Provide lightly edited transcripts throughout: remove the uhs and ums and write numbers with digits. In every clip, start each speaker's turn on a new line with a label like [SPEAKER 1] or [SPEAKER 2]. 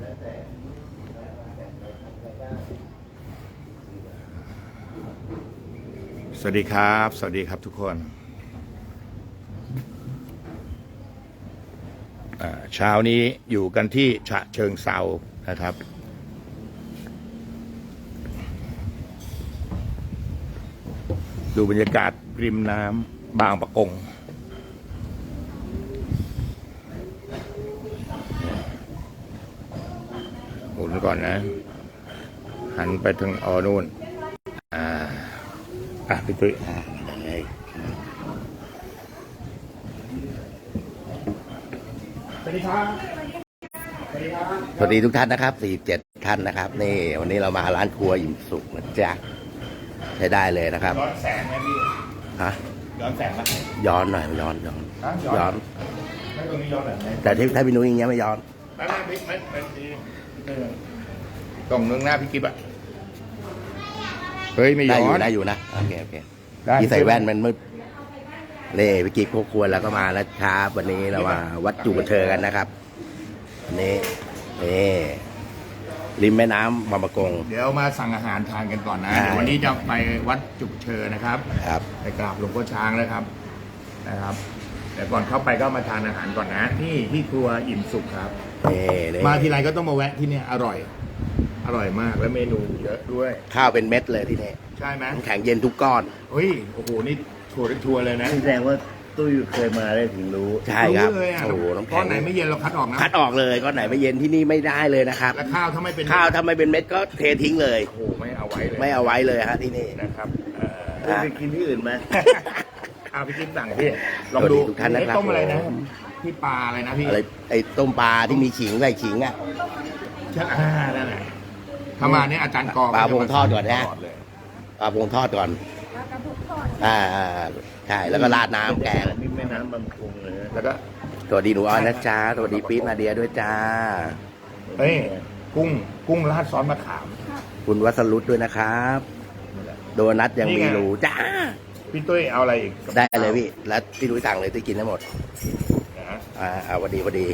[SPEAKER 1] สวัสดีครับ สวัสดีครับทุกคนเช้านี้อยู่กันที่ฉะเชิงเทรานะครับดูบรรยากาศริมน้ำบางปะกงหมุนก่อนนะหันไปทางนู่นพี่ตุ้ยสวัสดีครับ
[SPEAKER 2] สวัสดีทุกท่านนะครับ47ท่านนะครับนี่วันนี้เรามาร้านครัวอิ่มสุขนะจ๊ะใช้ได้เลยนะครับ
[SPEAKER 1] ย้อนแสงไหมพี่
[SPEAKER 2] ฮะ
[SPEAKER 1] ย้อนแสงไหม
[SPEAKER 2] ย้อนหน่อยย้อน
[SPEAKER 1] ไม่ตรงนี้ย้อนแบบไหน
[SPEAKER 2] แต่ที่ถ้าพี่นุ้ยอย่างเงี้ยไม่ย้อน
[SPEAKER 1] ไม่ตรงนึงหน้าพี่กิ๊บอะเฮ้ยไม่ย้อน
[SPEAKER 2] ได้อยู่นะโอเคพี่ใส่แว่นมันมืดเล่พี่กิ๊บครัวแล้วก็มาแล้วครับวันนี้เรามาวัดจุกเชอกันนะครับนี่ริมแม่น้ำบางปะกง
[SPEAKER 1] เดี๋ยวมาสั่งอาหารทานกันก่อนนะเดี๋ยววันนี้จะไปวัดจุกเชอนะครับไปกราบหลวงพ่อช้างนะครับแต่ก่อนเข้าไปก็มาทานอาหารก่อนนะที่ครัวอิ่มสุขครับมาทีไรก็ต้องมาแวะที่เนี่ยอร่อยมากและเมนูเยอะด้วย
[SPEAKER 2] ข้าวเป็นเม็ดเลยที่นี่
[SPEAKER 1] ใช่ไหม
[SPEAKER 2] แข็งเย็นทุกก้อน
[SPEAKER 1] โอ้โหนี่ทัวร์เลยนะ
[SPEAKER 3] แสดงว่าตุ้ยเคยมาได้ถึงรู้
[SPEAKER 2] ใช่ครับ
[SPEAKER 1] โอ้โหน้ำแข็งก้อนไหนไม่เย็นเราคัดออกนะ
[SPEAKER 2] คัดออกเลยก้อนไหนไม่เย็นที่นี่ไม่ได้เลยนะครับ
[SPEAKER 1] แล้วข้าวถ้าไม่เป็น
[SPEAKER 2] เม็ดก็เททิ้งเลย
[SPEAKER 1] โอ้โหไม่เอาไว้
[SPEAKER 2] เลยฮะที่นี่
[SPEAKER 1] นะครับ
[SPEAKER 3] ไปกินที่อื่นไหม
[SPEAKER 1] พี่กิ๊บสั่งพี่ลองดู
[SPEAKER 2] ทุกท่านนะครับ
[SPEAKER 1] ต้มอะไรนะพี่ปลาอะไรนะพี่
[SPEAKER 2] อะไรไอ้ต้มปลาที่มีขิงใส่ขิงอ่ะ
[SPEAKER 1] ใช่นั่นแหละถ้ามาเนี่ยอาจารย์กอ
[SPEAKER 2] ปลาพงทอดก่อนนะปลาพงทอดก่อนใช่แล้วก็ราดน้ำแกง
[SPEAKER 3] นี่แม่น้ำบางปะกงเลย
[SPEAKER 1] แล้วก็
[SPEAKER 2] สวัสดีหนูอ้อยนะจ๊ะสวัสดีปี๊ดมาเดียด้วยจ้า
[SPEAKER 1] กุ้งราดซอสมะขาม
[SPEAKER 2] คุณวัสรุตด้วยนะครับโดนัทยังมีหรูจ้า
[SPEAKER 1] พี่ตุ้ยเอาอะไรอีก
[SPEAKER 2] ได้เลยพี่แล้วพี่ตุ้ยสั่งเลยตุ้ยกินได้หมดวันดี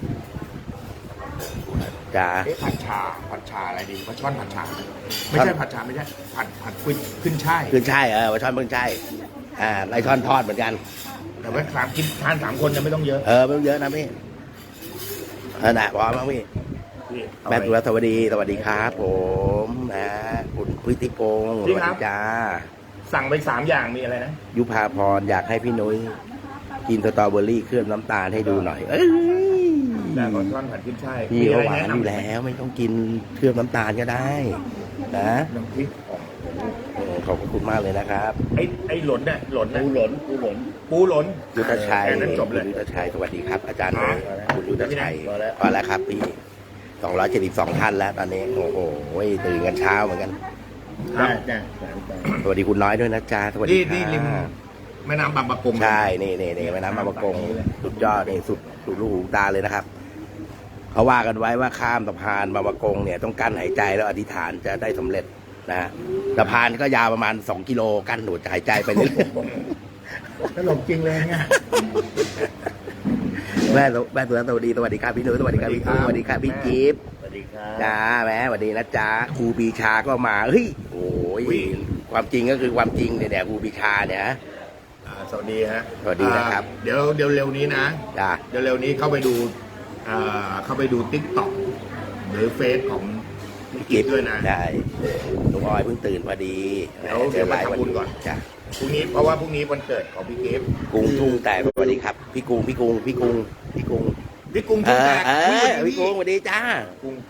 [SPEAKER 2] จ้า
[SPEAKER 1] ผัดชาอะไรดีปลาช่อนผัดชาไม่ใช่ผัดชาไม่ใช่ผัดขึ้นช่าย
[SPEAKER 2] ปลาช่อนขึ้นช่ายไรช่อนทอดเหมือนกัน
[SPEAKER 1] แต่ว่ากินทาน3 คนจะไม่ต้องเยอะ
[SPEAKER 2] ไม่ต้องเยอะนะพี่นะพร้อมมั้งพี่แม่ตัวสวัสดีครับผมคุณพุทธิพงศ์สวัสดีจ้า
[SPEAKER 1] สั่งไป3 อย่างมีอะไรนะ
[SPEAKER 2] ยุพาพรอยากให้พี่นุ้ยกินสตรอเบอรี่เคลือบน้ำตาลให้ดูหน่อย
[SPEAKER 1] แต่ก่อนช่อนผัดขึ้นช่าย
[SPEAKER 2] พี่หวานอยู่แล้วไม่ต้องกินเคลือบน้ำตาลก็ได้นะ
[SPEAKER 1] น้ำพริก
[SPEAKER 2] ขอบคุณมากเลยนะครับ
[SPEAKER 1] ไอ้หล่นเนี่ยปูหล่น
[SPEAKER 2] ยุทธชัย
[SPEAKER 1] จบเลย
[SPEAKER 2] ยุทธชัยสวัสดีครับอาจารย์คุณยุทธชัยพอแล้วครับพี่272ท่านแล้วตอนนี้โอ้โหตื่นกันเช้าเหมือนกันสวัสดีคุณน้อยด้วยนะจ๊ะสวัสดี
[SPEAKER 1] ที่ริมแม่น้ำบางปะกง
[SPEAKER 2] ใช่นี่แม่น้ำบางปะกงสุดยอดนี่สุดลูกหูตาเลยนะครับเขาว่ากันไว้ว่าข้ามสะพานบางปะกงเนี่ยต้องกั้นหายใจแล้วอธิษฐานจะได้สำเร็จนะสะพานก็ยาวประมาณ2 กิโลกั้นหนูจะหายใจไปเรื่อย
[SPEAKER 1] ตลกจริงเลยเนี่ย
[SPEAKER 2] แม่สวัสดีครับพี่นุ้ยสวัสดีครับพี่กุ้งสวัสดีครับพี่จิ๊บ
[SPEAKER 3] สวัสดีครับ
[SPEAKER 2] จ้าแม่สวัสดีนะจ๊ะครูปีชาก็มาโอ้ยความจริงก็คือความจริงเนี่ยครูปีชาเนี่ย
[SPEAKER 1] สวัสดีฮะ
[SPEAKER 2] สวัสดีนะครับ
[SPEAKER 1] เดี๋ยวเร็วนี้นะเดี๋ยวเร็วนี้เข้าไปดูTikTok หรือเฟซของพี่กิ๊บด้วยนะ
[SPEAKER 2] ได้ลุงออยเพิ่งตื่นพอดี
[SPEAKER 1] เดี๋ยวไปทำบุญก่อน
[SPEAKER 2] จ้ะ
[SPEAKER 1] พรุ่งนี้เพราะว่าพรุ่งนี้วันเกิดของพี่กิ๊บ
[SPEAKER 2] กุ้งทุ่งแต่สวัสดีครับพี่กุ้งทุ่งแต่
[SPEAKER 1] พี่กุ้ง
[SPEAKER 2] สวัสดีจ้า
[SPEAKER 3] กุ้ง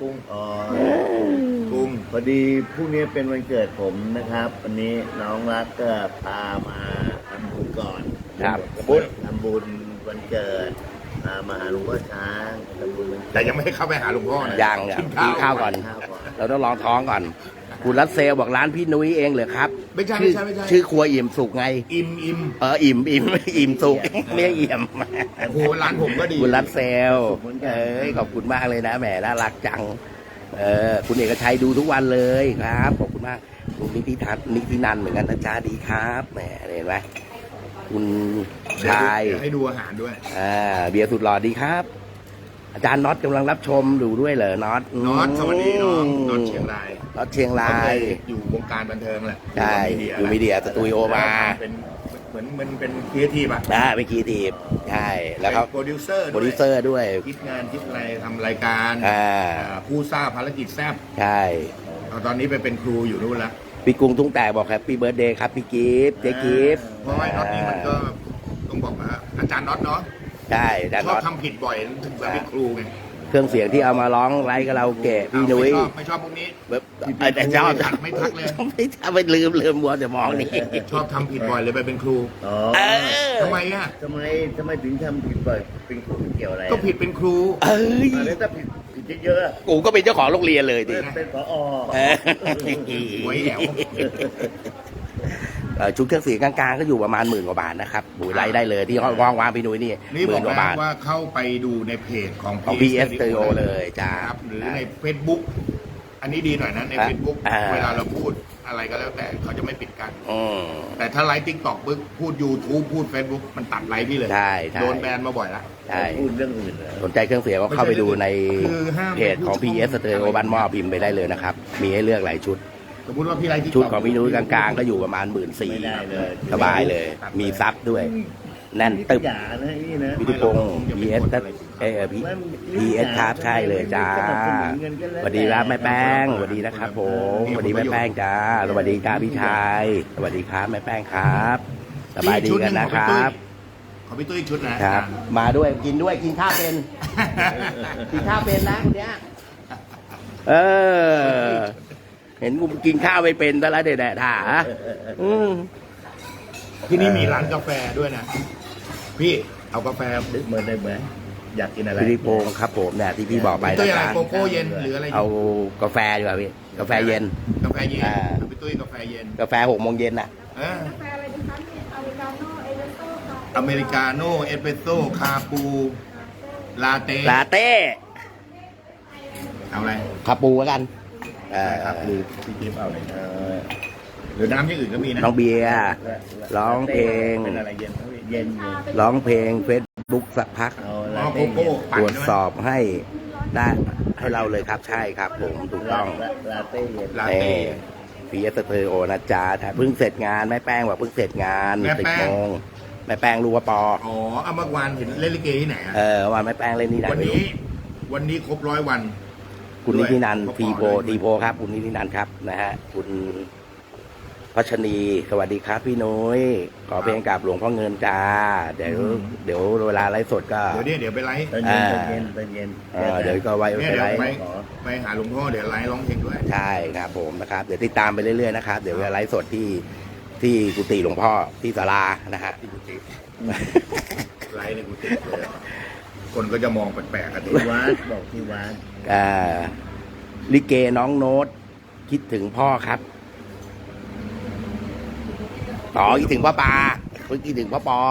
[SPEAKER 3] พอดีพรุ่งนี้เป็นวันเกิดผมนะครับวันนี้น้องรักก็พามาทำบุญก่อน
[SPEAKER 2] ครับ
[SPEAKER 3] ทำบุญวันเกิดมาหาหลวงพ่อช้างทำบุญ
[SPEAKER 1] แต่ยังไม่ให้เข้าไปหาหลวงพ่อนะ
[SPEAKER 2] ยังกินข้าวก่อนเราต้องลองท้องก่อนคุณรัสเซลบอกร้านพี่นุ้ยเองเหรอครับ
[SPEAKER 1] ไม่ใช่
[SPEAKER 2] ชื่อครัวอิ่มสุกไง
[SPEAKER 1] อิ่ม
[SPEAKER 2] อิ่มสุกเรียกอิ่ม
[SPEAKER 1] โอ้โหร้านผมก็ดี
[SPEAKER 2] คุณรัสเซลขอบคุณมากเลยนะแหมน่ารักจังคุณเอกชัยดูทุกวันเลยครับขอบคุณมากคุณนิตินันเหมือนกันนะจ๊ะดีครับแหมเห็นไหมคุณชาย
[SPEAKER 1] ให้ดูอาหารด้วย
[SPEAKER 2] เบียร์สุดหล่อดีครับอาจารย์น็อตกำลังรับชมดูด้วยเหรอน็อต
[SPEAKER 1] น็อตสวัสดีน้องน็อตเชียงราย
[SPEAKER 2] น็อตเชียงรา
[SPEAKER 1] เขาเค
[SPEAKER 2] ย
[SPEAKER 1] ยอยู่วงการบันเทิงแหละ
[SPEAKER 2] ใช่อยู่มีเดียสตูดิโอมา
[SPEAKER 1] เป็นเหมือนมันเป็นครีเอทีฟอะ
[SPEAKER 2] เป็นครีเอทีฟใช่แล้วเขา
[SPEAKER 1] เป็นโปรดิวเซอร์
[SPEAKER 2] โปรดิวเซอร์ด้วย
[SPEAKER 1] คิดงานคิดอะไรทำรายการ ผู้ทราบภารกิจแซบ
[SPEAKER 2] ใช่
[SPEAKER 1] ตอนนี้ไปเป็นครูอยู่นู่นละ
[SPEAKER 2] พี่กรุงทุ่งแต่บอกแฮปปี้เบิร์ดเดย์ครับพี่กิฟต์เจ๊กิฟต์
[SPEAKER 1] เพราะว่าน็อตนี่มันก็ต้องบอกว่าอาจารย์น็อตเนาะ
[SPEAKER 2] ใช่อาจารย์
[SPEAKER 1] ชอบ
[SPEAKER 2] น็อต
[SPEAKER 1] ทำผิดบ่อยถึงแบบเป็นครูไง
[SPEAKER 2] เครื่องเสียงที่เอามาร้องไลฟ์กับเราเกะพี่นุ้ย
[SPEAKER 1] ไม่ชอบพวกนี้
[SPEAKER 2] แบบแต่ชอบ
[SPEAKER 1] ไม่ทักเลย
[SPEAKER 2] ไม่ทักไปลืมมัวแต่มองนี่
[SPEAKER 1] ชอบทำผิดบ่อยเลยไปเป็นครู
[SPEAKER 3] อ๋อ
[SPEAKER 2] เออ
[SPEAKER 1] ทำไมอ่ะ
[SPEAKER 3] ทำไมถึงทำผิดบ่อยเป็นครูเกี่ยวอะไร
[SPEAKER 1] ก็ผิดเป็นครู
[SPEAKER 2] เอ้ย
[SPEAKER 3] แล้วถ้าผิดเยอะๆอะ
[SPEAKER 2] กูก็เป็นเจ้าของโรงเรียนเลยดิ
[SPEAKER 3] เป็นผอ
[SPEAKER 2] เออ
[SPEAKER 1] หวยแหว
[SPEAKER 2] ชุดเครื่องเสียงกลางๆก็อยู่ประมาณ10,000 กว่าบาทนะครับบุยไลฟ์ได้เลยที่ห้องวางพี่นุ้ยนี่
[SPEAKER 1] นี่
[SPEAKER 2] ห
[SPEAKER 1] บอ
[SPEAKER 2] มื่
[SPEAKER 1] ก
[SPEAKER 2] นกว่า
[SPEAKER 1] แล้ว
[SPEAKER 2] บาท
[SPEAKER 1] ว่าเข้าไปดูในเพจของ
[SPEAKER 2] ของ PS Stereo เลยจ้า
[SPEAKER 1] ครับหรือใน Facebook อันนี้ดีหน่อยนะใน Facebook เวลาเราพูดอะไรก็แล้วแต่เขาจะไม่ปิดกัน
[SPEAKER 2] อืม
[SPEAKER 1] แต่ถ้าไลฟ์ติ๊กต็อกปึ๊บพูด YouTube พูด Facebook มันตัดไลฟ์พี่เลย
[SPEAKER 2] ใช่ใช่
[SPEAKER 1] โดนแบนมาบ่อยละ
[SPEAKER 2] ใช่
[SPEAKER 3] พูดเรื่องอื่นเลย
[SPEAKER 2] สนใจเครื่องเสียงก็เข้าไปดูใน
[SPEAKER 1] คือห้าม
[SPEAKER 2] เพจของ PS Stereo บ้านหม้อพิมพ์ไปได้เลยนะครับ มีให้เลือกหลายชุด
[SPEAKER 1] สมมติว่าพี่ไลฟ์
[SPEAKER 2] ชุดของพี่นุ้ยกลางๆ ก็อยู่ประมาณ
[SPEAKER 3] ไม่ได้เลย
[SPEAKER 2] 14,000สบายเลย มีซับด้วย แน่นตึบ
[SPEAKER 3] อย่านะนี่นะ
[SPEAKER 2] พิธิพงศ์ PS PS ครับใช่เลยจ้าสวัสดีครับแม่แป้งสวัสดีนะครับผมสวัสดีแม่แป้งจ้าสวัสดีครับพี่ชายสวัสดีครับแม่แป้งครับสบายดีกันนะครับ
[SPEAKER 1] ขอพี่ตุ้ยอีกชุดนะครับ
[SPEAKER 2] มาด้วยกินด้วยกินข้าวเป็น กินข้าวเป็นนะคนเนี้ยเออ เห็นกูกินข้าวไม่เป็นซะแล้วเด็ดๆถ่าอืม
[SPEAKER 1] ที่นี่มีร้านกาแฟด้วยนะ พี่เอากาแฟ
[SPEAKER 3] นึกเหมือนได้ไหมอยากกินอะไร
[SPEAKER 2] พี่พงศ์ครับผมเนี่ยที่พี่บอกไป
[SPEAKER 1] พี่ตุ้ย
[SPEAKER 2] นะ
[SPEAKER 1] อะไร
[SPEAKER 2] ครับ
[SPEAKER 1] โกโก้เย็นหรืออะไร
[SPEAKER 2] เอากาแฟดีกว่าพี่กาแฟเย็น
[SPEAKER 1] กาแฟเย็น
[SPEAKER 2] อ่า
[SPEAKER 1] เอาพี่ตุ้ยกาแฟเย็น
[SPEAKER 2] กาแฟ6 โมงเย็นน่ะ
[SPEAKER 1] เออก
[SPEAKER 4] าแฟอะไรดีคะเนี่ยอเมริกาโน่เอสเปรสโซ่ค่ะ
[SPEAKER 1] อเมริกาโน่เอสเปรสโซ่คาปูลาเต้
[SPEAKER 2] ลาเต้
[SPEAKER 1] เอาอะไร
[SPEAKER 2] คาปูแล้วกันเออ
[SPEAKER 1] ครับหรือพี่จิ๊บเอาอะไรหรือน้ำที่อื่นก็มีนะ
[SPEAKER 2] น้องเบียร์ร้องเพลง
[SPEAKER 1] เป็นอะไรเย็นครับพี่
[SPEAKER 3] เย็น
[SPEAKER 2] ร้องเพลงเฟซบุ๊กสักพัก
[SPEAKER 3] เอา
[SPEAKER 1] อ๋
[SPEAKER 3] ลา
[SPEAKER 1] อโก
[SPEAKER 3] เต้
[SPEAKER 1] โก้ปั่
[SPEAKER 2] ต
[SPEAKER 1] น
[SPEAKER 2] รวจ
[SPEAKER 1] ใช่ไหม
[SPEAKER 2] สอบให้ได้ให้เราเลยครับใช่ครับผมถูกต้อง
[SPEAKER 3] ลาเต้เย็น
[SPEAKER 1] ลาเต้
[SPEAKER 2] พีเอสเตอร์โอนะจ๊ะเพิ่งเสร็จงานแม่แป้งบอกเพิ่งเสร็จงาน
[SPEAKER 1] แม่แป้ง
[SPEAKER 2] 10 โมงแม่แป้งรู้ว่าปอ
[SPEAKER 1] อ๋อเอาเมื่อวานเห็นเล่นลิเกที่ไหนอะ
[SPEAKER 2] วันแม่แป้งเล่นนี่ไหน
[SPEAKER 1] วัน
[SPEAKER 2] ไม่รู้
[SPEAKER 1] นี้ วันนี้ครบ100 วัน
[SPEAKER 2] คุณนิตินันท์
[SPEAKER 1] ด้วย
[SPEAKER 2] ทีโพทีโพครับคุณนิตินันท์ครับนะฮะคุณพัชนีสวัสดีครับพี่นุ้ยขอเพลงกับหลวงพ่อเงินจ้าเดี๋ยวเวลาไลฟ์สดก็
[SPEAKER 1] เดี๋ยวไปไลฟ์
[SPEAKER 3] ตอนเย็นตอนเย็นตอนเย็น
[SPEAKER 2] เดี๋ยวก็ไว้
[SPEAKER 1] เนี่ย
[SPEAKER 2] ไป
[SPEAKER 1] เดี๋ยว
[SPEAKER 2] ไลฟ์
[SPEAKER 1] ไปหาหลวงพ่อเดี๋ยวไลฟ์ร้องเพลงด้วย
[SPEAKER 2] ใช่ครับผมนะครับเดี๋ยวติดตามไปเรื่อยๆนะครับเดี๋ยวไลฟ์สดที่กุฏิหลวงพ่อที่ศาลานะฮะ
[SPEAKER 1] ที่กุฏิไลฟ์ในกุฏิเลยคนก็จะมองแปลกๆกันดิ
[SPEAKER 3] ที่วัดบอกที่วัด
[SPEAKER 2] ลิเกน้องโน้ตคิดถึงพ่อครับคิดถึงพ่อปาคิดถึงพ่อปอ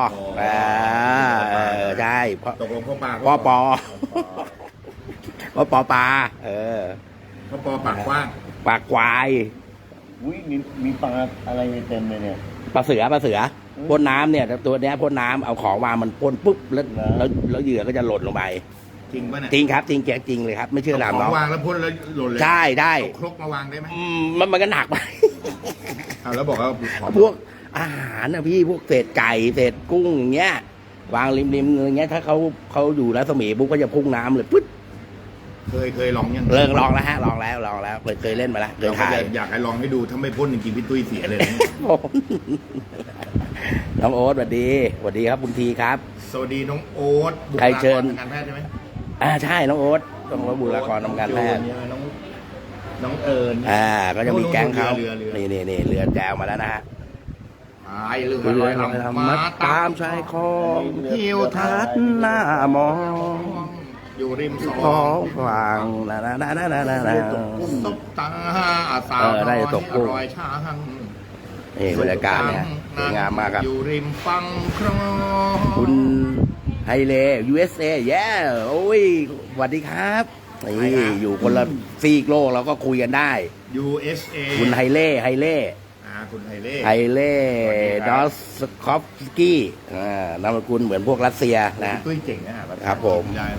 [SPEAKER 2] ใช่พ่อ
[SPEAKER 1] ตกลงพ่อปา
[SPEAKER 2] พ่อปอพ่อปอปา
[SPEAKER 1] พ่อปอปากกว้าง
[SPEAKER 2] ปากควาย
[SPEAKER 3] อุ้ยมีปลาอะไรเต็มเลยเนี่ย
[SPEAKER 2] ปลาเสือพ่นน้ำเนี่ยตัวเนี้ยพ่นน้ำเอาของวางมันพ่นปุ๊บแล้วเหยื่อก็จะหล่นลงไป
[SPEAKER 1] จริงป่ะเนี่ย
[SPEAKER 2] จริงครับจริงจริงเลยครับไม่เชื่อถาม
[SPEAKER 1] ข
[SPEAKER 2] น้
[SPEAKER 1] อ
[SPEAKER 2] อง
[SPEAKER 1] งวางแล้วพ่นแล้วหล่นเลย
[SPEAKER 2] ใช่ได้
[SPEAKER 1] เอาครกมาวางได้ไหม
[SPEAKER 2] มันก็หนักไป
[SPEAKER 1] เอาแล้วบอกว่าของ
[SPEAKER 2] พวกอาหารนะพี่พวกเศษไก่เศษกุ้งอย่างเงี้ยวางริมอย่างเงี้ยถ้าเขาอยู่รัศมีปุ๊บก็จะพุ่งน้ำเลยปึ๊ด
[SPEAKER 1] เคยลองยัง
[SPEAKER 2] ลองแล้วฮะลองแล้วเคยเล่นมาแล้วเคย
[SPEAKER 1] เราก็
[SPEAKER 2] ถ่าย
[SPEAKER 1] จะอยากให้ลองให้ดูถ้าไม่พ่นจริงๆพี่ตุ้ยเสียเลยนะ
[SPEAKER 2] ผมน้องโอ๊ตสวัสดีครับคุณทีครับ
[SPEAKER 1] สวัสดีน้องโอ๊ตบุค
[SPEAKER 2] ใคร
[SPEAKER 1] ลาก
[SPEAKER 2] เชิ
[SPEAKER 1] ร
[SPEAKER 2] ญ
[SPEAKER 1] ทางการแพทย์ใช่ไหม
[SPEAKER 2] ใช่น้องโอ๊ตต้องรับบุคลากรทำการแพทย์
[SPEAKER 1] น้องเอิญ
[SPEAKER 2] ก็จะมีแก๊งเขา
[SPEAKER 1] เรือ
[SPEAKER 2] นี่เรือแจวมาแล้วนะฮะ
[SPEAKER 1] พายเรือ
[SPEAKER 2] เรือ
[SPEAKER 1] ลอย
[SPEAKER 2] ลอย
[SPEAKER 1] ลำ
[SPEAKER 2] ลำมาตามชายคลองทิวทัศน์หน้ามอง
[SPEAKER 1] อยู่ริมส
[SPEAKER 2] ท้
[SPEAKER 1] อ
[SPEAKER 2] อง งฟังนะ
[SPEAKER 1] ตบตาสาว
[SPEAKER 2] ได้ตกกุ้ง
[SPEAKER 1] รอยช้าง
[SPEAKER 2] นี่บรรยากาศเนี่ยสวยงามมากครับ
[SPEAKER 1] อยู่ริมฝั่งคลอง
[SPEAKER 2] คุณไฮเล่ USA แย่โอ้ยสวัสดีครับนี่อยู่คนละซีกโลกเราก็คุยกันได้
[SPEAKER 1] USA
[SPEAKER 2] คุณไฮเล่
[SPEAKER 1] คุณไฮเล่
[SPEAKER 2] ไฮเล่ดอสคอฟสกี้นามสกุลเหมือนพวกรัสเซียนะ
[SPEAKER 1] ตุ้ยเก่งนะ
[SPEAKER 2] ครับผม
[SPEAKER 1] ได้หมด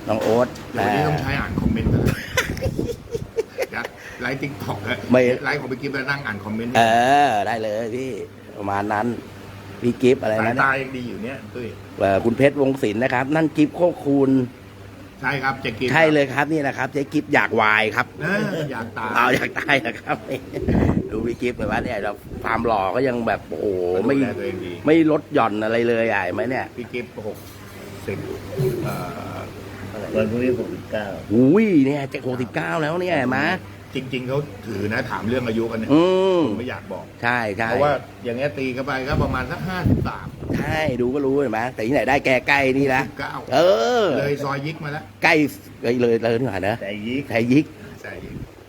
[SPEAKER 2] น้องโอ๊ต
[SPEAKER 1] เดี๋ยววันนี้ต้องใช้อ่านคอมเมนต์กันแล้วไลฟ์ติ๊กต็อกไลฟ์ของพี่กิ๊ฟแล้วนั่งอ่านคอมเมนต์
[SPEAKER 2] ได้เลยพี่ประมาณนั้นพี่กิฟอะไร
[SPEAKER 1] สาย
[SPEAKER 2] นะ
[SPEAKER 1] ตายังดีอยู่เนี่ยตุ้ย
[SPEAKER 2] คุณเพชรวงศิลป์นะครับ นั่นกิฟโคคูณ
[SPEAKER 1] ใช่ครับจะกิน
[SPEAKER 2] ใช่เลยครับนี่นะครับเจ๊กิฟอยากวายครับ
[SPEAKER 1] อยากตาย
[SPEAKER 2] เอาอยากตายนะครับ ดูพี่กิฟเลยว่าเนี่ยเราความหล่อก็ยังแบบโอ้โหไม่
[SPEAKER 1] ดูแลตัวเองดี
[SPEAKER 2] ไม่ลดหย่อนอะไรเลยอ่ะเห็นไหมเนี่ย
[SPEAKER 1] พี่กิฟ60
[SPEAKER 3] วันพรุ่งนี้69
[SPEAKER 2] อุ้ยเนี่ยจะ69แล้วเนี่ยเห็นไหม
[SPEAKER 1] จริง ๆเขาถือนะถามเรื่องอายุกันเนี่ย
[SPEAKER 2] อืม
[SPEAKER 1] ผมไม่อยากบอก
[SPEAKER 2] ใช่ใช่
[SPEAKER 1] เพราะว่าอย่างเงี้ยตีเข้าไปก็ประมาณสัก53
[SPEAKER 2] ใช่ดูก็รู้เห็นไหมแต่ที่ไหนได้แกใกล้นี่นะเออ
[SPEAKER 1] เลยซอยยิกมาแล้ว
[SPEAKER 2] ใกล้เลยนี่หว่านะ
[SPEAKER 3] แต่ยิก
[SPEAKER 2] แซยิก
[SPEAKER 1] ใช่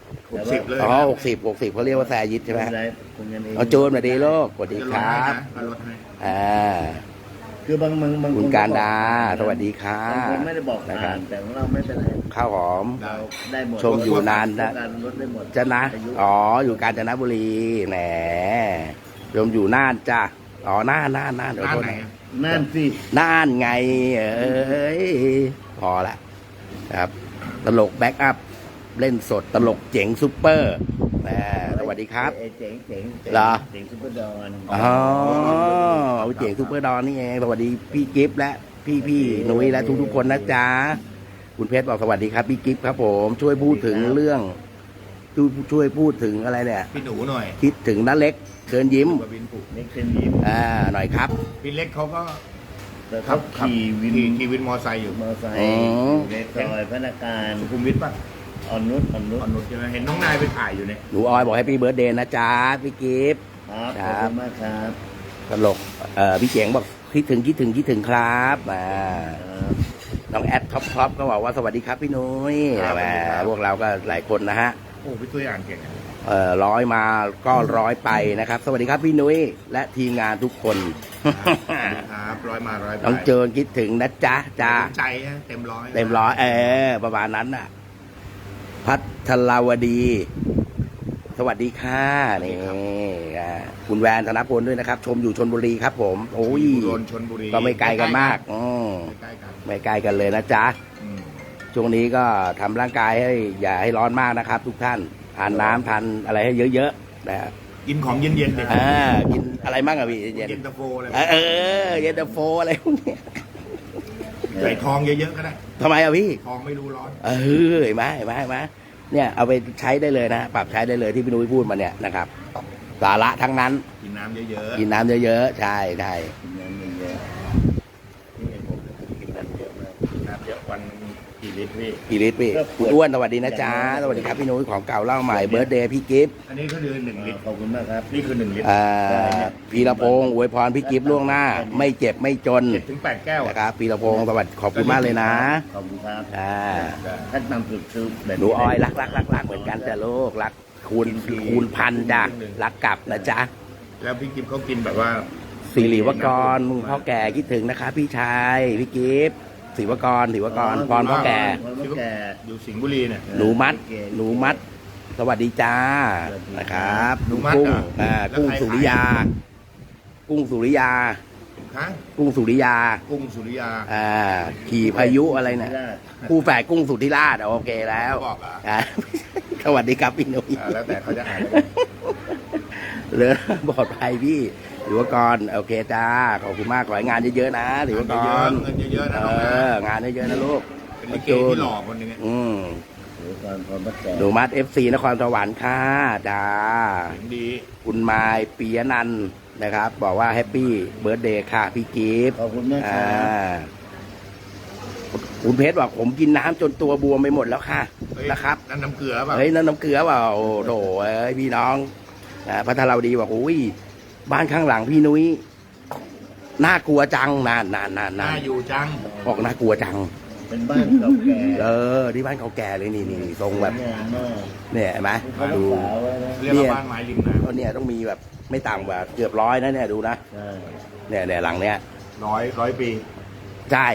[SPEAKER 1] 60เลย
[SPEAKER 2] อ๋อ60เขาเรียกว่าแซยิกใช่ไหม
[SPEAKER 3] ไม่เป็นไรคุณกันเอง
[SPEAKER 2] เอาโจนมาดีโลกสวัสดีครับ
[SPEAKER 1] จะลดให้
[SPEAKER 3] คือบาง
[SPEAKER 2] คุณการดาสวัสดีค่ะ
[SPEAKER 3] บางคนไม่ได้บอก
[SPEAKER 2] นะครั
[SPEAKER 3] ผ่า
[SPEAKER 2] บ
[SPEAKER 3] นแต่ของเราไม่เป็นไร
[SPEAKER 2] ข้าวหอม
[SPEAKER 3] เราได้หมด
[SPEAKER 2] ชมอยู่นานนะ
[SPEAKER 3] การลดได้หมด
[SPEAKER 2] จะนะ
[SPEAKER 3] อายุ
[SPEAKER 2] อ๋ออยู่กาญจนบุรีแหมชมอยู่น่านจ้ะอ๋อน่านเดี๋ยว
[SPEAKER 1] ร้าน
[SPEAKER 2] โทษ
[SPEAKER 1] ไหน
[SPEAKER 2] นะ
[SPEAKER 3] นั่นสิ
[SPEAKER 2] น่านไงเอ้ยพอละครับ ตลกแบ็กอัพเล่นสดตลกเจ๋งซุปเปอร์แหมสวัสดีครับ
[SPEAKER 3] ไอ้เจ๋ง
[SPEAKER 2] เหรอ
[SPEAKER 3] เจ๋งซุปเปอร์ดอน
[SPEAKER 2] อ๋อเจ๋งซุปเปอร์ดอนนี่เองสวัสดีพี่กิฟต์และพี่นุ้ยและทุกๆคนนะจ๊ะคุณเพชรบอกสวัสดีครับพี่กิฟต์ครับผมช่วยพูดถึงเรื่องช่วยพูดถึงอะไรเนี่ย
[SPEAKER 1] พี่หนูหน่อย
[SPEAKER 2] คิดถึงน้าเล็กเชิญยิ้ม
[SPEAKER 1] กับวินผูก
[SPEAKER 3] นี่เป็นยิ้ม
[SPEAKER 2] หน่อยครับ
[SPEAKER 1] พี่เล็กเขาก็
[SPEAKER 3] แต่เขาขี่วิน
[SPEAKER 1] ขี่วินมอไซค์อยู่
[SPEAKER 3] มอเตอร์ไซค์
[SPEAKER 2] อ๋อ
[SPEAKER 3] ในซอยพนักงาน
[SPEAKER 1] สุขุมวิทป่ะ
[SPEAKER 3] อ่อนนุช
[SPEAKER 1] อ่อนนุชใช่ไหมเห็นน้องนายไปถ่ายอยู่เนี่ย
[SPEAKER 2] หนูออยบอกให้พี่เบิร์ดเดย์นะจ๊ะพี่กิฟต์
[SPEAKER 3] ครับขอบคุณมากครับ
[SPEAKER 2] ตลกพี่เจ๋งบอกคิดถึงครับน้องแอดท็อปก็บอกว่าสวัสดีครับพี่นุ้ยแหมพวกเราก็หลายคนนะฮะ
[SPEAKER 1] โอ้พี่ตุ้ยอ่านเก่งอะ
[SPEAKER 2] ร้อยมาก็ร้อยไปนะครับ สวัสดีครับพี่นุ้ยและทีมงานทุกคน
[SPEAKER 1] ครับร้อยมาร้อยไป
[SPEAKER 2] น้องเจินคิดถึงนะจ๊ะจ้า
[SPEAKER 1] ใจนะเต็มร้อย
[SPEAKER 2] เต็มร้อยประมาณนั้นน่ะ พัทราวดี สวัสดีค่ะนี่คุณแวนธนพลด้วยนะครับ ชมอยู่ชนบุรีครับผมโอ้ย
[SPEAKER 1] อุดรชลบุรี
[SPEAKER 2] ก็ไม่ไกลกันมาก
[SPEAKER 1] ใกล้กัน
[SPEAKER 2] ไม่ไกลกันเลยนะจ๊ะ
[SPEAKER 1] อืม
[SPEAKER 2] ช่วงนี้ก็ทำร่างกายให้อย่าให้ร้อนมากนะครับ ทุกท่านทานน้ำทานอะไรให้เยอะๆนะฮะ
[SPEAKER 1] กินของเย็นๆดิ
[SPEAKER 2] กินอะไรบ้างอะพี่เย็น
[SPEAKER 1] เย็นตาโฟอะไร
[SPEAKER 2] เย็นตาโฟอะไรพวกเนี้ย
[SPEAKER 1] ใส่ทองเยอะๆก็ได้
[SPEAKER 2] ทำไมอะพี่
[SPEAKER 1] ทองไม่รู้ร้อน
[SPEAKER 2] เห็นไหมเนี่ยเอาไปใช้ได้เลยนะปรับใช้ได้เลยที่พี่นุ้ยพูดมาเนี่ยนะครับสาระทั้งนั้น
[SPEAKER 1] กินน้ำเยอะ
[SPEAKER 2] กินน้ำเยอะๆใช่
[SPEAKER 3] กินน้ำเยอะๆนี่ผมกินน้ำเยอะมาก
[SPEAKER 1] ๆน้ำเยอะวันกี่ลิตรพี่
[SPEAKER 2] กี่ลิตรพี่คุณอ้วนสวัสดีนะจ๊ะสวัสดีครับพี่นุ้ยของเก่าเล่าใหม่เบิร์ดเดย์พี่กิฟต์
[SPEAKER 1] อันนี้ก็คือ1 ลิตร
[SPEAKER 3] ขอบคุณมากครับ
[SPEAKER 1] นี่คือ1 ลิตร
[SPEAKER 2] พีระพงศ์อวยพรพี่กิฟต์ล่วงหน้า ไม่เจ็บไม่จน
[SPEAKER 1] 7-8 แก้วอะ
[SPEAKER 2] นะครับพีระพงศ์สวัสดีขอบคุณมากเลยนะ
[SPEAKER 3] ขอบคุณครับ
[SPEAKER 1] ได้
[SPEAKER 3] ท่านนำสุดคือแบบ
[SPEAKER 2] หนูออยรักเหมือนกันแต่โลกรักคูณพันจ้ะรักกลับนะจ๊ะ
[SPEAKER 1] แล้วพี่กิฟเขากินแบบว่า
[SPEAKER 2] สิริวกรพ่อแก่คิดถึงนะคะพี่ชายพี่กิฟต์ศิวกรพรพ่อแก่
[SPEAKER 3] พ่อแก่
[SPEAKER 1] อยู่สิงห์บุรีเนี่ย
[SPEAKER 2] หนูมัด สวัสดีจ้านะครับ
[SPEAKER 1] หนูมัด
[SPEAKER 2] กุ้ง
[SPEAKER 1] เหรอ
[SPEAKER 2] กุ้ง
[SPEAKER 1] แล้วใคร
[SPEAKER 2] สุริยา กุ้งสุริยา
[SPEAKER 1] ฮะ
[SPEAKER 2] กุ้งสุริยา
[SPEAKER 1] กุ้งสุริยา
[SPEAKER 2] ขี่พายุอะไรเนี่ยคู่แฝดกุ้งสุธิราชโอเคแล้ว
[SPEAKER 1] บอกเหรอ
[SPEAKER 2] สวัสดีครับพี่นุ้ย
[SPEAKER 1] แล้วแต่เขาจะอ่าน
[SPEAKER 2] เหลือปลอดภัยพี่ศิวกรโอเคจ้าขอบคุณมากขอให้งานเยอะๆนะศิวกร
[SPEAKER 1] เงินเยอะๆนะน้องนะ
[SPEAKER 2] งานเยอะๆนะลูก
[SPEAKER 1] เป็นลิเกที่หล่อคนหนึงอะ
[SPEAKER 3] หรือก่อนพ่อแก่
[SPEAKER 2] หนูมัด FC นครสวรรค์ค่ะจ้า
[SPEAKER 1] เสียงดี
[SPEAKER 2] คุณไมายปียนันท์นะครับ บอกว่าแฮปปี้เบิร์ดเดย์ค่ะพี่กิฟต์
[SPEAKER 3] ขอบคุณมากครับ
[SPEAKER 2] คุณเพชรบอกผมกินน้ำจนตัวบวมไปหมดแล้วค่ะ
[SPEAKER 1] เฮ้ย
[SPEAKER 2] นะครับ
[SPEAKER 1] นั่นน้ำเกลือป่ะ
[SPEAKER 2] เฮ้ยนั่นน้ำเกลือเปล่าโอ้โถเอ้ยพี่น้องพัทราวดีบอกอุ้ยบ้านข้างหลังพี่นุ้ยน่ากลัวจังนาน
[SPEAKER 1] น่าอยู่จัง
[SPEAKER 2] บอกน่ากลัวจัง
[SPEAKER 3] เป็นบ้านเก่าแก่
[SPEAKER 2] ที่บ้านเขาแก่เลยนี่ทรงแบบ
[SPEAKER 3] งามมาก
[SPEAKER 2] เนี่ยเห็นไหม
[SPEAKER 3] เขารัก
[SPEAKER 2] ดู
[SPEAKER 3] ษาไว้นะ
[SPEAKER 1] เรียกว่าบ้านไม้ริมน้
[SPEAKER 2] เนี่ยต้องมีแบบไม่ต่ำกว่าเกือบ100นะเนี่ยดูนะ
[SPEAKER 3] ใช่
[SPEAKER 2] เนี่ยหลังเนี้ย
[SPEAKER 1] ำร้อยปี
[SPEAKER 2] ใช่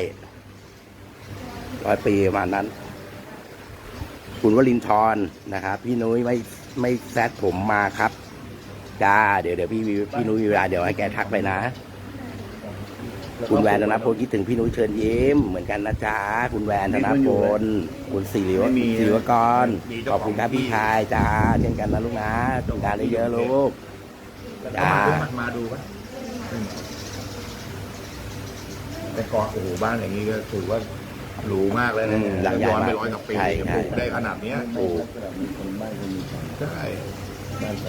[SPEAKER 2] 100 ปีประมาณนั้น คุณวลินทร์นะครับพี่นุ้ยไม่แซดผมมาครับจ้าเดี๋ยวพี่นุ้ยมีเวลาเดี๋ยวให้แกทักไปนะคุณแวนธนพลคิดถึงพี่นุ้ยเชิญยิ้มเหมือนกันนะจ๊ะคุณแวนธนพลคุณศิริวกรขอบคุณครับพี่ชายจ้าเช่นกันนะลูกนะทำงานได้เยอะลูก
[SPEAKER 1] จ้ามาดูป่ะแต่ก่อนโอ้โหบ้านอย่างนี้ก็ถือว่าหรูมากเลยนะ
[SPEAKER 2] หลังใหญ่
[SPEAKER 1] ย้อน
[SPEAKER 2] มา
[SPEAKER 1] ไป
[SPEAKER 2] ก
[SPEAKER 1] 100 กว่าปี
[SPEAKER 2] ใช่
[SPEAKER 1] ปลูกได้ขนาดเนี้ย
[SPEAKER 2] โอ้
[SPEAKER 3] คนบ้านคนมี
[SPEAKER 1] ใช่
[SPEAKER 3] บ้านสอง